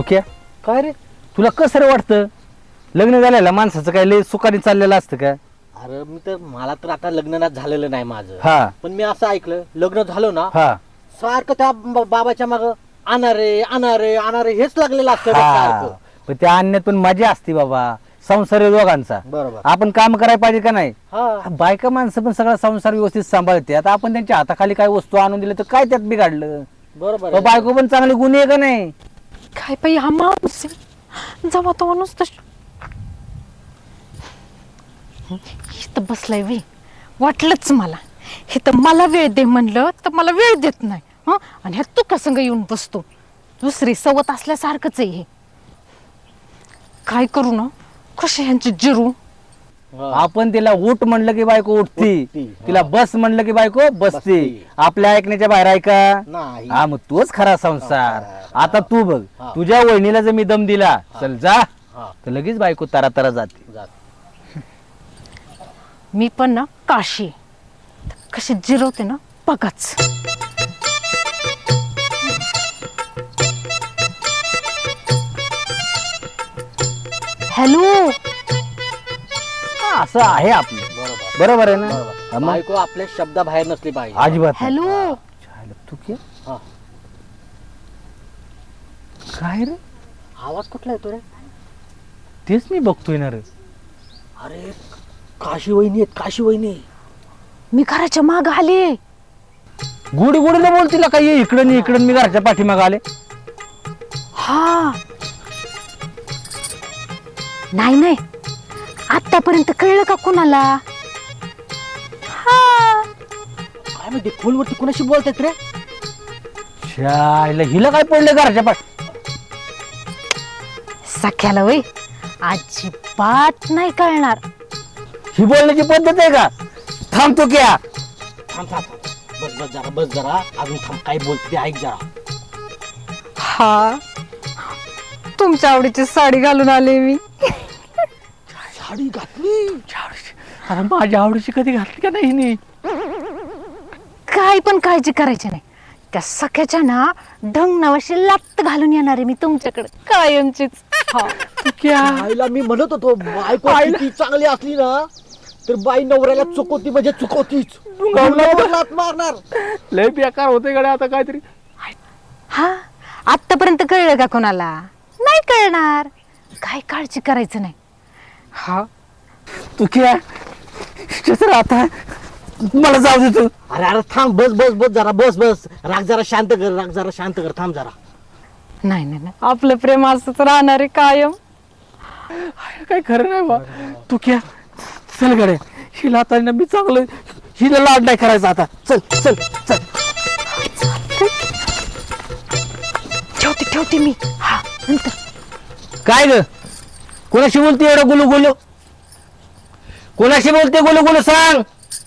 तू क्या काय रे? तुला कसं वाटतं लग्न झालेलं माणसाचं काय लय सुखाने चाललेलं असतं का? अरे मला तर आता लग्न झालेलं नाही माझं. हा पण मी असं ऐकलं लग्न झालं ना हा सारखं त्या बाबाच्या माग अनारे हेच लागलेलं असतं बघ हा सारखं. पण त्या आणण्यात पण मजा असते बाबा. संसार आहे दोघांचा. बरोबर. आपण काम करायला पाहिजे का नाही? हा बायका माणसं पण सगळा संसार व्यवस्थित सांभाळते. आता आपण त्यांच्या हाताखाली काही वस्तू आणून दिल्या तर काय त्यात बिघडलं? बरोबर अहो, बायको पण चांगली गुन्हे आहे का नाही? काय पाहिजे हा माणूस जेव्हा तो माणूस इथं बसलाय वे वाटलंच मला. हे तर मला वेळ दे म्हणलं तर मला वेळ देत नाही. हं आणि ह्या तू कसं येऊन बसतो. दुसरी सवत असल्यासारखंच आहे हे. काय करू ना कशी ह्यांची जिरू. आपण तिला उठ म्हणलं की बायको उठती, उठती, हा. तिला बस म्हणलं की बायको बसती. बसती. आपल्या ऐकण्याच्या बाहेर ऐका नाही. हा मग तोच खरा संसार. आता तू बघ हा. तुझ्या वहिनीला जर मी दम दिला चल जा हा. तर लगेच बायको तारा तारा जाते. जात. मी पण ना काशी कशी जिरवते ना बघाच. हॅलो हा, असं आहे आपलं. बरोबर बरोबर आहे ना? बरोबर. हा, मग बायको आपल्या शब्दाबाहेर नसली पाहिजे. अजिबात नाही. हॅलो छायला, तू क्या हा. काय रे? आवाज कुठला येतो रे? तेच मी बघतोय ना रे. अरे काशी वहिनी आहेत, काशी वहिनी. मी घराच्या माग आले. गुडी गुडीला बोलतील का ये इकडं नाही इकडं मी घरच्या पाठीमाग आले. हा नाही नाही आतापर्यंत कळलं का कुणाला? हा काय माहिती फोनवरती कोणाशी बोलतात रे? छायला हिला काय पडलं घरच्या पाठ सख्याला वय अजिबात नाही कळणार. ही बोलण्याची पद्धत आहे का? थांबतो क्या थांब थांब थांब. बस जरा अजून थांब. काय बोलते ते ऐक जरा. हा तुमच्या आवडीची साडी घालून आले मी. साडी घातली. अरे माझ्या आवडीची कधी घातली का नाही हिने? काय पण काळजी करायची नाही. त्या सख्याच्या ना ढंग नावाशी लात घालून येणार आहे मी तुमच्याकडे कायमचीच. हा क्या आईला मी म्हणत होतो बायको किती चांगली असली ना तर बाई नवऱ्याला चुकवती म्हणजे चुकवतीच. नवऱ्यावर लाथ मारणार. लय बेकार होते गड्या आता काहीतरी. हा आतापर्यंत कळलं का कोणाला? नाही कळणार. काय काळजी करायचं नाही. हा तू क्या तर आता मला जाऊ दे तू. अरे अरे थांब. बस जरा बस राग जरा शांत कर थांब जरा. नाही नाही नाही. आपलं प्रेम असंच राहणार आहे कायम. काय खरं नाही बा. तू क्या चल गड्या हिला आता ना मी चांगलं हिला लाड नाही करायचा आता. चल चल चल. ठेवते मी. हा नंतर. काय ग कोणाशी बोलते एवढं गुलू गुलू? कोणाशी बोलते गुलू गुलू सांग.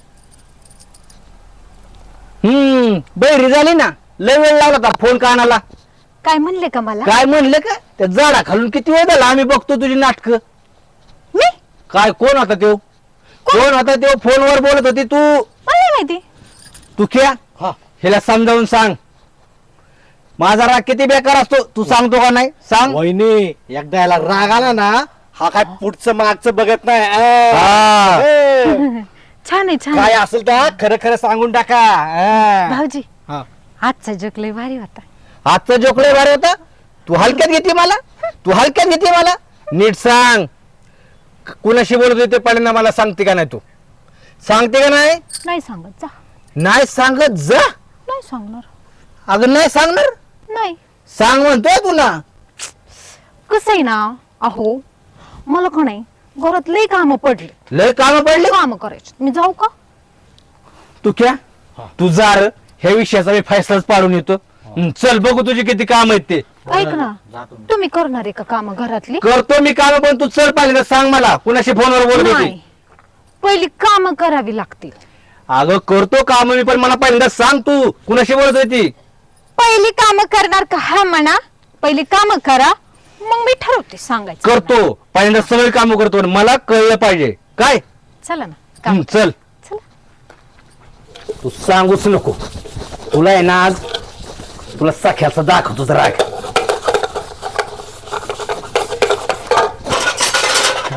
बैरी झाली ना लय वेळ लावला होता फोन कानाला. काय म्हणले का मला? काय म्हणलं का त्या झाडा खालून किती वेळ झाला आम्ही बघतो तुझी नाटक. मी काय कोण होता तो? कोण होता तो फोनवर बोलत होती तू? मला नाही माहिती. तू क्या हा हिला समजावून सांग. माझा राग किती बेकार असतो तू सांगतो का नाही? सांग. वहिनी एकदा याला राग आला ना हा काय पुढचं मागचं बघत नाही. हा. ए, छान आहे छान काय आहे. असेल तर खरं सांगून टाका. भाऊजी हा. आजचा जोक लय भारी होता. आजचा जोकडे भारी होता. तू हलक्यात घेते मला. तू हलक्यात घेते मला. नीट सांग कुणाशी बोलत होते पहिल्यांदा मला सांगते का नाही? तू सांगते का नाही? नाही सांगत जा. नाही सांगत जा. नाही सांगणार. अगं नाही सांगणार. नाही सांग म्हणतोय तुला. कसं आहे ना अहो मला का नाही घरात लय काम पडले. लय काम पडले. काम करायचे. मी जाऊ का? तू क्या तू जा रे. ह्या विषयाचा मी फैसलाच पाडून येतो. चल बघू तुझे किती काम आहेत ते. ऐक ना तुम्ही करणार आहे का काम घरातली? करतो मी काम पण तू चल पाहिजे सांग मला कुणाशी फोनवर बोलत होती. नाही पहिली काम करावी लागतील. अगं करतो काम मी पण मला पहिल्यांदा सांग तू कुणाशी बोलत होती. पहिली काम करणार का? हा म्हणा पहिली काम करा मग मी ठरवते सांगायचं. करतो पहिल्यांदा सगळे काम करतो मला कळलं पाहिजे काय. चला ना काम चल चला. तू सांगूच नको. तुला आहे ना आज तुला सख्याचा दाखवतोच राग.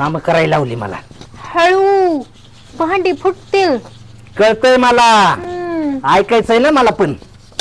काम करायला लावली मला. हळू, भांडी फुटतील. कळतंय मला, ऐकायचंय ना मला पण.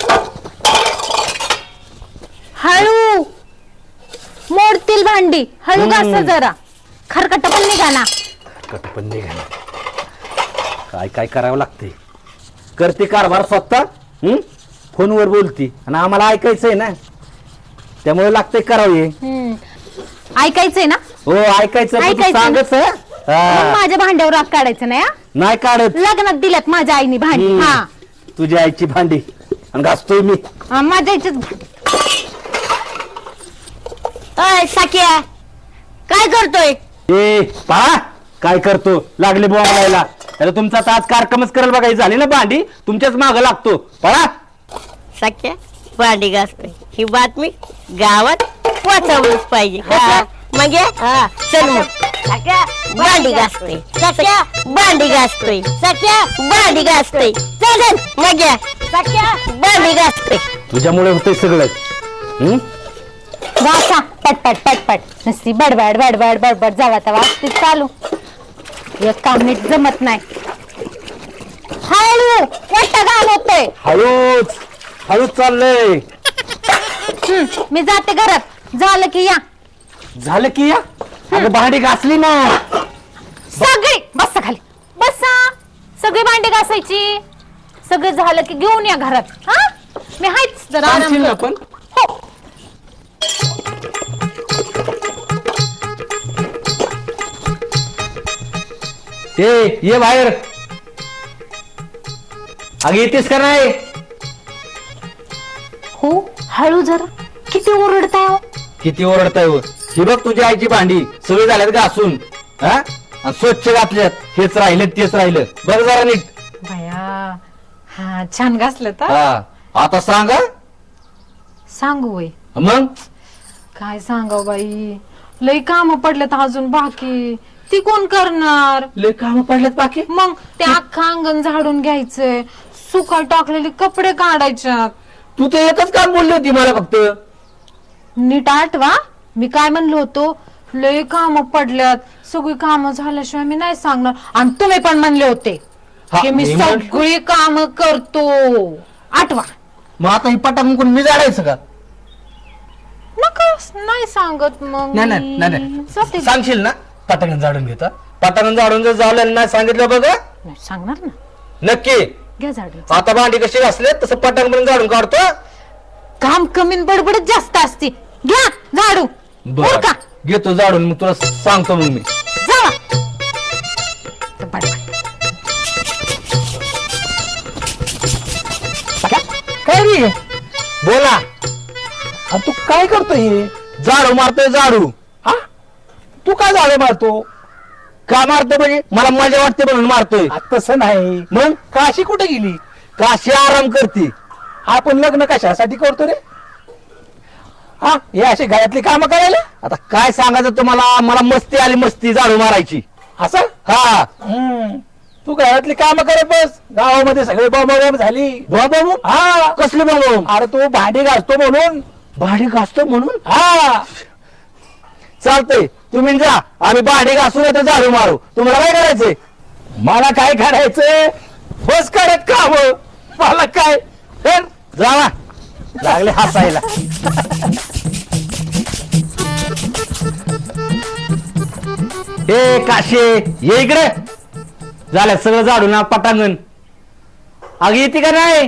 हळू, मोडतील भांडी. हळू घासा जरा, खरकट पण निघा ना. कट पण निघाला. काय काय करावं लागते. करते कारभार स्वतः, फोनवर बोलती आणि आम्हाला ऐकायचंय ना, त्यामुळे लागतंय करावे. ऐकायचंय ना? हो ऐकायचं, पण तू ऐकायचं ना? सांगच हं? मग हा. माझ्या भांड्यावर राग काढायचं नाही हा? नाही काढत. लग्नात दिल्यात माझ्या आईने भांडी. हा, तुझ्या आईची भांडी आणि घासतोय मी. माझ्या आईचीच भांडी. अय साकिया, काय करतोय? ए पहा काय करतो, लागले बोलायला. त्याला तुमचा आता आज कार्यक्रमच करायला बघायची झाली ना भांडी, तुमच्याच माग लागतो. पळा. साकिया भांडी घासतोय, ही बातमी गावात पोहोचवलीच पाहिजे. हा, मग ये? हा, चल मग. साकिया भांडी घासतोय, साकिया भांडी घासतोय, साकिया भांडी घासतोय. चल चल, मग ये. साकिया भांडी घासतोय. तुझ्यामुळे होतंय सगळं. घासा पटपट पटपट. नुसती बडबड बडबड बडबड जावा तवा ते चालू. एक काम नीट जमत नाही. हळू, वाटा घाल होतोय. हळूच हळूच चाललंय. मी जाते घरात, झालं की या. झालं की या. अगं भांडी घासली ना. सगळी बसा खाली, बसा. सगळी भांडी घासायची. सगळं झालं की घेऊन या घरात. हा, मी हायच जरा आराम सांगशील ना करते. पण. हो. ये बाहेर. अगं येतेस का नाही? हो, हळू जरा. किती ओरडताय हो? किती ओरडताय हो. ही बघ तुझ्या आईची भांडी सगळी झाल्यात घासून, हा, आणि स्वच्छ घातल्यात. हेच राहिलं तेच राहिलं. बरं जरा नीट. बया, हा छान घासलं तर. हा, आता सांगा. सांगू वय, मग काय सांगाव बाई. लई काम पडलेत अजून बाकी. ती कोण करणार? लय काम पडल्यात बाकी. मग ते अख्खं अंगण झाडून घ्यायचंय, सुकाय टाकलेले कपडे काढायच्यात. तू तर एकच काम बोलली होती मला फक्त. नीट आठवा, मी काय म्हणलो होतो. लय काम पडल्यात, सगळी काम झाल्याशिवाय मी नाही सांगणार. आणि तुम्ही पण म्हणले होते हा, की मी मी म्हण- सगळी काम करतो. आठवा. मग आता ही पटांगण कोण मी जाडायचं का? नका, नाही सांगत मग नाही मी. नाही नाही जाते. नाही. सांगशील ना पटांगण झाडून घेता. पटांगण झाडून जर झालं नाही सांगितलं बघ. नाही, सांगणार ना. नक्की. घ्या झाडून. आता भांडी कशी घासले तसं पटांगण झाडून काढतो. काम कमी न बडबडच जास्त असते. घ्या झाडू. बर का घेतो झाडून, मग तुला सांगतो मग मी. जावा. तर बडबड. काय रे बोला. तू काय करतोय? झाडू मारतोय झाडू. हा, तू काय झाडू मारतो? का मारतो म्हणजे मला मजा वाटते म्हणून मारतोय. तसं नाही. मग काशी कुठे गेली? काशी आराम करते. आपण लग्न कशासाठी करतो रे? हा, हे अशी घरातली कामं करायला? आता काय सांगायचं तुम्हाला, मला मस्ती आली, मस्ती झाडू मारायची. असं? हा, तू घरातली कामं करत बस. गावामध्ये सगळे बॉम्ब झाली. बाबा हा, कसले बाबा? अरे तू भांडी घासतो म्हणून. भांडी घासतो म्हणून? हा, चालतंय, तुम्ही जा. आम्ही भांडी घासून येतो, झाडू मारू. तुम्हाला काय करायचंय? मला काय करायचंय? बस करत काम. मला काय कर. जावा. लागले हसायला. ए काशे, ये इकडे. झालं सगळं झाडू ना पटांगण. अग येते का नाही?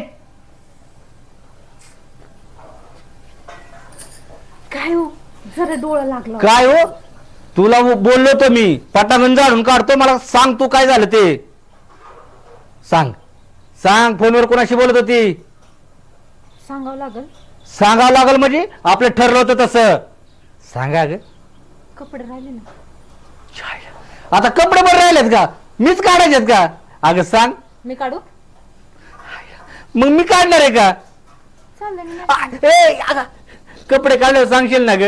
काय हो, जरा डोळा लागला. काय हो, तुला बोललो तो मी पटांगण झाडून काढतो. मला सांग तू काय झालं ते. सांग सांग. फोनवर कोणाशी बोलत होती? सांगावं लागल. सांगावं लागल म्हणजे आपलं ठरलं होतं तसं. सांगा ग. कपडे राहिले ना. आता कपडे बरे राहिलेत का? मीच काढायचेत का? अगं सांग. मी काढू? मग मी काढणार आहे का? चालेल ना. अगं, कपडे काढल्यावर सांगशील ना ग.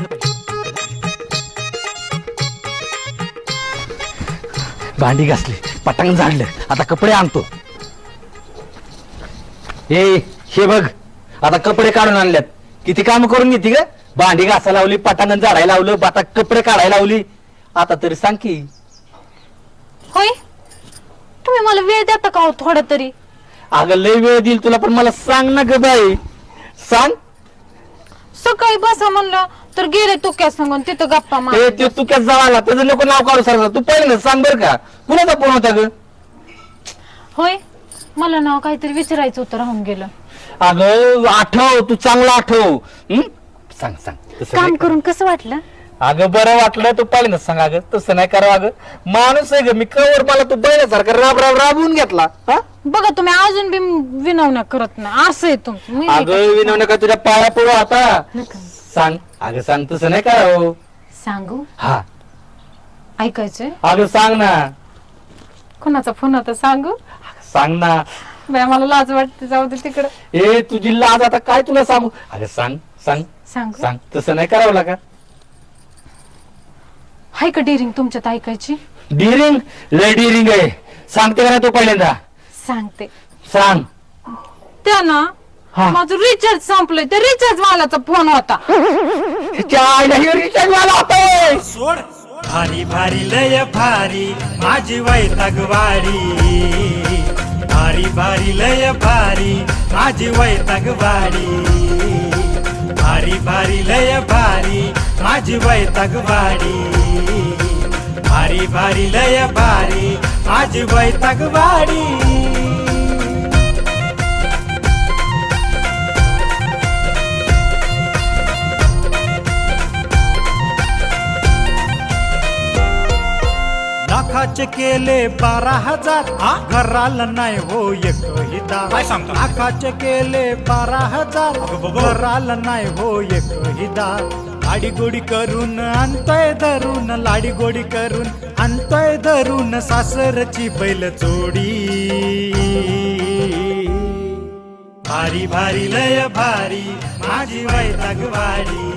भांडी घासली. पटांग झाडलं, आता कपडे आणतो. हे बघ, आता कपडे काढून आणल्यात. किती काम करून घेते ग, भांडी घासायला लावली, पटांगण झाडायला लावलं, आता कपडे काढायला लावली. आता तरी सांग की. होय, तुम्ही मला वेळ देता का हो थोडा तरी? अगं लय वेळ देईल तुला, पण मला सांग ना ग बाई, सांग. सकाळी बसा म्हणलं तर गेले तुक्या सांगून तिथं गप्पा मार. ते तू क्या जळाला, त्याचं लोक नाव काढू सारखं. तू पहिलं सांग बर का, कुणाचा फोन होता ग? होय, मला नाव काहीतरी विचारायचं होतं, राहून गेलं. अगं आठव, तू चांगला आठव. सांग सांग. तसं काम नाही करून कसं वाटलं? अगं बरं वाटलं, तू पहिलं सांग. अगं तसं नाही करावं, अगं माणूस आहे ग मी, कवर मला तू पहिल्यासारखं राबवून घेतला. हा बघा तुम्ही अजून बी विनवण्या करत नाही, असं आहे तुमचं. मी नाही अगं विनव नका, तुझ्या पाया पडू आता. नका. सांग अगं, सांग. तसं नाही करावं. सांगू? हा ऐकायचंय? अगं सांग ना. कोणाचा फोन होता सांगू? सांग ना. बाय मला लाज वाटते, जाऊ दे तिकडं. तुझी लाज आता काय तुला सांगू. अगं सांग सांग सांगू? सांग. तसं नाही करावं लागा. हाय का डिरिंग तुमच्यात ऐकायची? डिरिंग? लय डिरिंग आहे. सांगते का ना तू पहिल्यांदा? सांगते. सांग. त्या ना हा. माझं रिचार्ज संपलंय, त्या रिचार्ज वालाचा फोन होता. रिचार्ज वाला होता. सोड भारी भारी लय भारी माझी वैतागवाडी, भारी भारी लय भारी माझी वैतागवाडी, भारी भारी लय भारी माझी वैतागवाडी, भारी भारी लय भारी माझी वैतागवाडी. लाखाचे केले 12,000 घराला नाही हो एकही दार. काय सांगतो? लाखाचे केले 12,000 घराला नाही हो एकही दार. लाडी गोडी करून आणतोय धरून, लाडी गोडी करून आणतोय धरून सासरची बैल जोडी, भारी भारी लय भारी माझी वैतागवाडी,